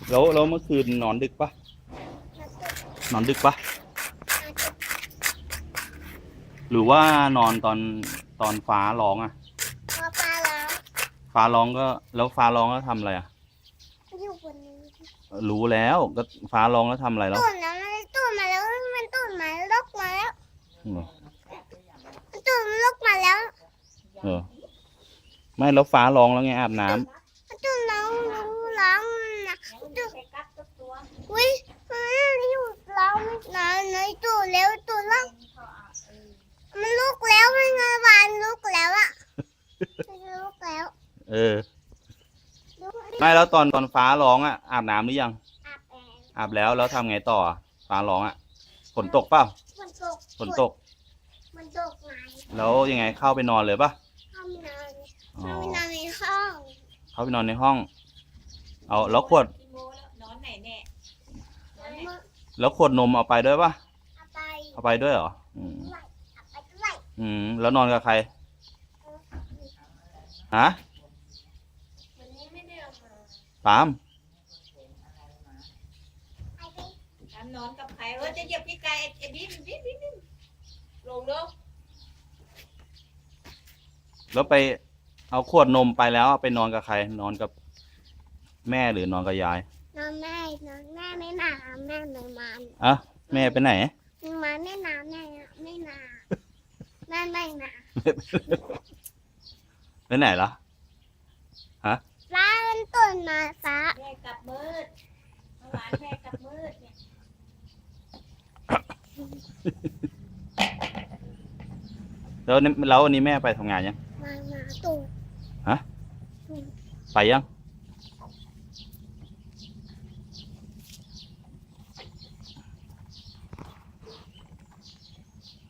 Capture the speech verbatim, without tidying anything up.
แล้วแล้วเมื่อคืนนอนดึกปะนอนดึกปะหรือว่านอนตอนตอนฟ้าร้องอะพอปลาแล้วฟ้าร้องก็แล้วฟ้าร้องแล้วทำอะไรอะอยู่บนนี้รู้แล้วก็ฟ้าร้องแล้วทำอะไรแล้วตุ่นแล้วมันตุ่นมาแล้วมันตุ่นมาลกมาแล้วเหรอมันตุ่นมันลกมาแล้วเออไม่แล้วฟ้าร้องแล้วไงอาบน้ำมันตุ่นร้องร้องนะตุ่นอุ้ยมันอยู่ร้องนะในตุ่นแล้วตุ่นแล้วมันลุกแล้วมันงานวานลุกแล้วอะมันลุกแล้วเออไม่แล้วตอนตอนฟ้าร้องอะอาบน้ำหรือยังอาบแอร์อาบแล้วแล้วทำไงต่อฟ้าร้องอะฝนตกเปล่าฝนตกฝนตกฝนตกไหนแล้วยังไงเข้าไปนอนเลยปะเข้าไปนอนเข้าไปนอนในห้องเข้าไปนอนในห้องเอาแล้วขวดนอนไหนแน่แล้วขวดนมเอาไปด้วยปะเอาไปเอาไปด้วยเหรออืมเอาไปด้วยอืมแล้วนอนกับใครฮะวันนี้ไม่ได้เอามาปามทำนอนกับใครเออจะเหยียบพี่ไก่ไอ้บิ๊มบิ๊มบิ๊มบิ๊มลงเร็วแล้วไปเอาขวดนมไปแล้วไปนอนกับใครนอนกับแม่หรือนอนกับยายนอนแม่นอนแม่ไม่มาแม่ไม่มาอ่ะแม่ไปไหนมาไม่นาแม่ไม่นาแม่ไม่นาไปไหนล่ะฮะฟ้ามันตุ่นมาฟ้าแม่กลับมืดเมื่อวานแม่กลับมืดเนี่ยแล้วแล้ววันนี้แม่ไปทำงานยังมามาตุ่นฮะไปยัง